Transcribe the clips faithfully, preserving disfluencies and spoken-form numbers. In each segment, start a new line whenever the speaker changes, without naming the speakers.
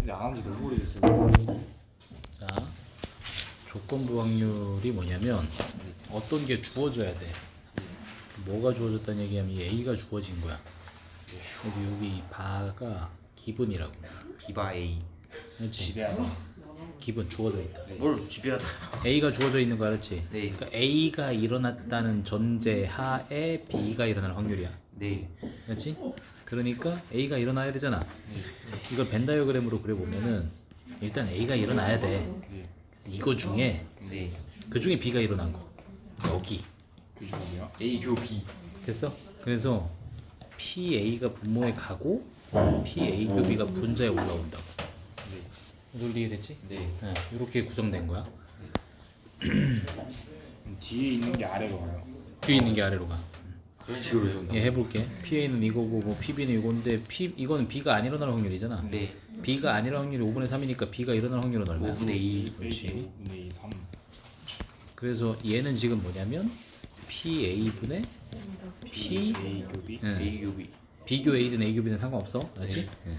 근데 안 한 지 너무 오래됐어요.
자, 조건부 확률이 뭐냐면 어떤 게 주어져야 돼. 뭐가 주어졌다는 얘기하면 이 A가 주어진 거야. 여기 여기 이 바가 기분이라고.
비바 A.
그렇지.
지배하자.
기분 주어져 있다.
뭘 지배하다.
A가 주어져 있는 거 알았지?
네.
그러니까 A가 일어났다는 전제 하에 B가 일어날 확률이야.
네.
그렇지? 그러니까 A가 일어나야 되잖아.
네.
이걸 벤 다이어그램으로 그려보면은 일단 A가 일어나야 돼.
네.
그래서 이거 중에
네.
그 중에 B가 일어난 거 여기
그 중이요?
A 교 B.
됐어? 그래서 P A가 분모에 가고 P A 교 B가 분자에 올라온다고.
네.
논리 이해됐지?
네.
네, 이렇게 구성된 거야.
그럼 뒤에 있는 게 아래로 가요.
뒤에 있는 게 아래로 가.
그런 식으로 해요.
얘 해볼게. P A는 이거고 뭐 P B는 이건데 P 이거는 B가 안 일어날 확률이잖아.
네.
B가 안 일어날 확률이 오분의 삼이니까 B가 일어날 확률은 얼마야?
오분의 이.
그렇지.
오분의 이, 삼.
그래서 얘는 지금 뭐냐면 P A분의 P
A 교비.
네.
A 교 B.
비교 A든 A 교비는 상관없어. 그렇지? 네.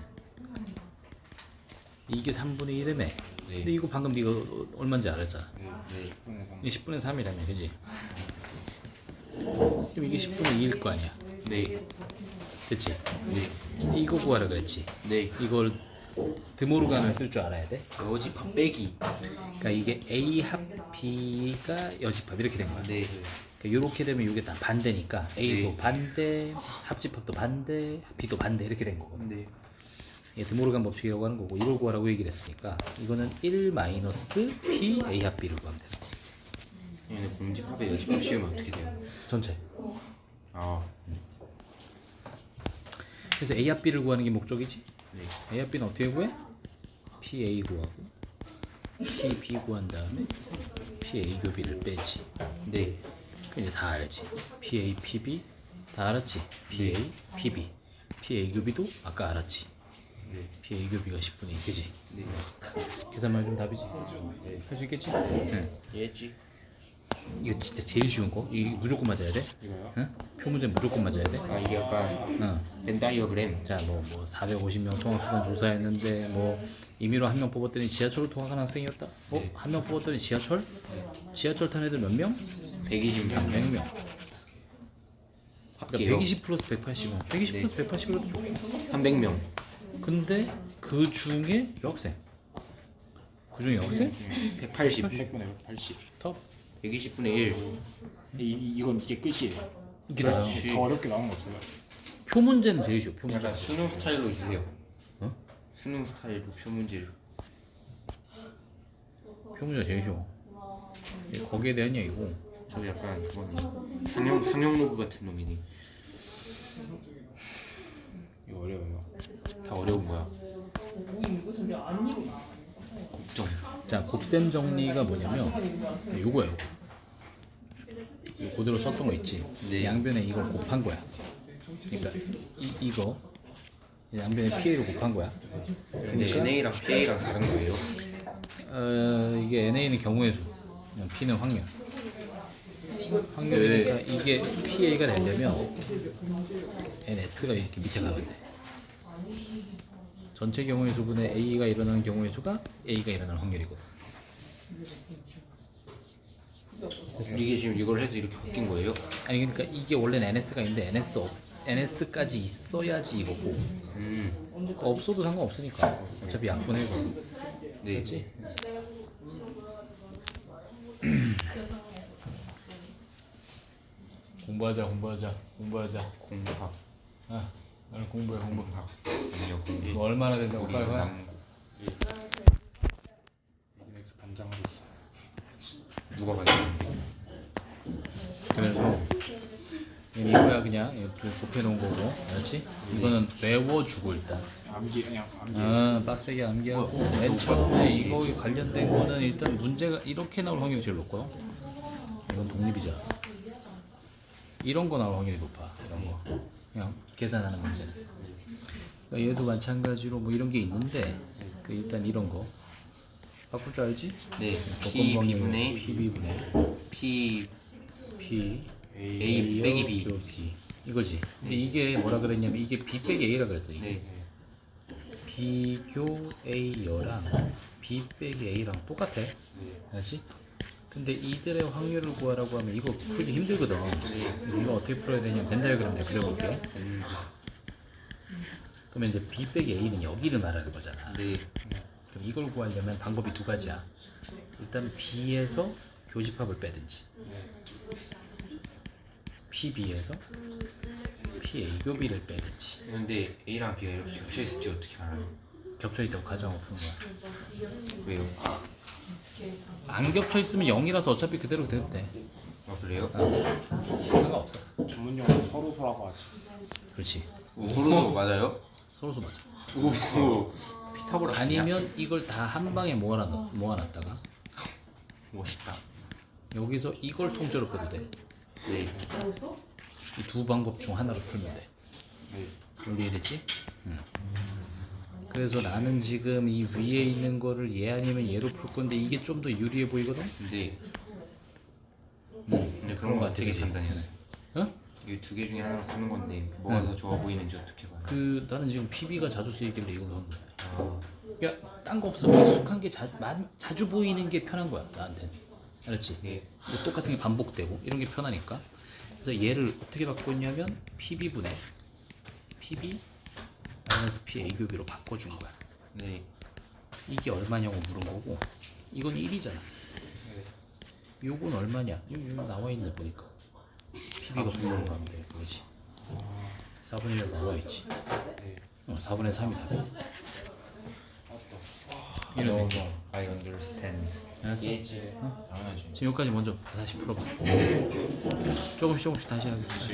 이게 삼분의 일이네.
네.
근데 이거 방금 네가 얼마인지 알았잖아.
네.
네.
십분의 삼.
이게 십분의 삼이라며, 그지? 그럼 이게 십분의 이일 거 아니야.
네.
그치?
네.
이거 구하라 그랬지.
네.
이걸 드모르간을 쓸 줄 알아야 돼.
여집합 빼기.
그러니까 이게 A 합 B가 여집합 이렇게 된 거야.
네.
그러니까 이렇게 되면 이게 다 반대니까 A도
네.
반대, 합집합도 반대, B도 반대 이렇게 된 거거든.
네.
이게 드모르간 법칙이라고 하는 거고 이걸 구하라고 얘기를 했으니까 이거는 일 마이너스 P A 합 B를 구하면 돼.
얘네 공집합에 여집합 씌우면 어떻게 돼요?
전체.
아.
그래서 A 합 B를 구하는 게 목적이지.
네.
A 합 B는 어떻게 구해? P A 구하고 P B 구한 다음에 P A 교비를 빼지.
네.
그 이제 다 알지. P A P B 다 알았지. P A P B P A 교비도 아까 알았지.
네.
P A 교비가 십분의 이, 그지?
네.
계산만 좀 답이지.
네.
할 수 있겠지? 응.
이해했지?
이거 진짜 제일 쉬운 거. 이 무조건 맞아야 돼.
이거요?
응? 표문제 무조건 맞아야 돼.
아 이게 약간
응.
벤 다이어그램.
자, 뭐, 뭐 사백오십 명 통학수단 조사했는데 뭐 임의로 한 명 뽑았더니 지하철을 통학한 학생이었다. 어? 한 명 뽑았더니 지하철? 지하철 탄 애들 몇 명?
백이십 명.
백 명. 그러니까
합계요.
백이십 플러스 백팔십은 백이십
네.
플러스 백팔십으로도 좋고.
삼백 명.
근데 그 중에 여학생. 그 중에 여학생?
백팔십.
삼백분의 백팔십.
top.
백이십 분의 일.
이, 이건 이게 끝이에요.
이게 다요.
그렇지.
더 어렵게 나온 거 없어요.
표문제는 제일 쉬워. 표문제.
약간 수능 스타일로 주세요.
어?
수능 스타일로 표문제를.
표문제가 제일 쉬워. 이게 거기에 대한 얘기고.
저 약간 그거네. 상용 상용 로그 같은 놈이네.
이거 어려워요.
다 어려운 거야. 국정.
자, 곱셈 정리가 뭐냐면 요거야, 요거. 이거 그대로 썼던 거 있지.
네.
양변에 이걸 곱한 거야. 그러니까 이 이거 양변에 P A를 곱한 거야.
근데
그러니까
엔 에이랑 피 에이랑 다른 거예요.
어, 이게 N A는 경우의 수, P는 확률. 확률이니까 이게 P A가 되려면 N S가 이렇게 밑에 가면 돼. 전체 경우의 수분의 A가 일어나는 경우의 수가 A가 일어날 확률이거든.
이게 지금 이걸 해서 이렇게 바뀐 거예요?
아니 그러니까 이게 원래는 N S가 있는데 N S 없, N S까지 있어야지 이거고
음.
없어도 상관없으니까 어차피 약분해 거.
네.
그렇지? 공부하자 공부하자 공부하자.
공학.
아, 나는 공부해 공부.
공학. 아니요 공부.
뭐 얼마나 된다고
우리
빨리 와.
남-
엑스 반장하고 있어.
누가 봤냐?
그래서 이거야 그냥 이렇게 곱해 놓은 거고, 그렇지? 이거는 외워주고 일단.
암기 그냥 암기.
아, 빡세게 암기하고 맨 처음에 이거 관련된 거는 일단 문제가 이렇게 나올 확률이 제일 높고요. 이건 독립이잖아. 이런 거 나올 확률이 높아. 이런 거 그냥 계산하는 문제는. 그러니까 얘도 마찬가지로 뭐 이런 게 있는데 그 일단 이런 거 바꿀 줄 알지?
네.
조건
P
확률
B분의
P B분의
P
P
A 빼기 B.
B 이거지. 근데 이게 뭐라 그랬냐면 이게 B 빼기 A라 그랬어. 이게
네.
B 비교 A여랑 B 빼기 A랑 똑같아. 알지? 근데 이들의 확률을 구하라고 하면 이거 풀기 힘들거든. 그래서 이거 어떻게 풀어야 되냐면 벤 다이어그램 내가 그려볼게. 그러면 이제 B 빼기 A는 여기를 말하는 거잖아.
네.
그럼 이걸 구하려면 방법이 두 가지야. 일단 B에서 교집합을 빼든지 P-B에서 P-A 교비를 빼든지.
근데 A랑 B가 이렇게 겹쳐 있을지 어떻게 알아요?
겹쳐있다고 가정을 푸는 거야.
왜요?
안 겹쳐있으면 영이라서 어차피 그대로 돼도 돼.
아 그래요?
상관없어.
전문용어로 서로서라고 하지.
그렇지.
오, 서로 맞아요?
서로서 맞아.
오, 피타고라스
아니면 이걸 다 한 방에 모아놨, 모아놨다가
멋있다.
여기서 이걸 통째로 빼도 돼.
네.
이 두 방법 중 하나로 풀면 돼.
네.
이해됐지? 응. 그래서 나는 지금 이 위에 있는 거를 얘 아니면 얘로 풀 건데 이게 좀 더 유리해 보이거든?
근데
응.
근데 그런 거 어떻게
그지?
판단했어요?
어?
이게 두 개 중에 하나로 푸는 건데 뭐가 더 좋아 보이는지 어떻게 봐요?
그 나는 지금 피비가 자주 쓰이길래 이걸로 한 거야.
아,
그러니까 딴 거 없어. 익숙한 게 자, 많, 자주 보이는 게 편한 거야 나한테는. 알았지?
네.
뭐 똑같은 게 반복되고 이런 게 편하니까. 그래서 얘를 어떻게 바꿨냐면 피비분의 피비 마이너스 피에이 교비로 바꿔준 거야.
네.
이게 얼마냐고 물은 거고 이건 일이잖아. 요건 얼마냐? 여기, 여기 나와 있네 보니까. 피비가 분모로 가면 돼. 그거지. 사분의 일 나와 있지. 어, 사분의 삼이 답이야. 이런
No,
느낌.
no, I understand.
알았어?
당연하지.
지금 여기까지 먼저 다시 풀어봐. 조금씩 조금씩 다시 하겠지.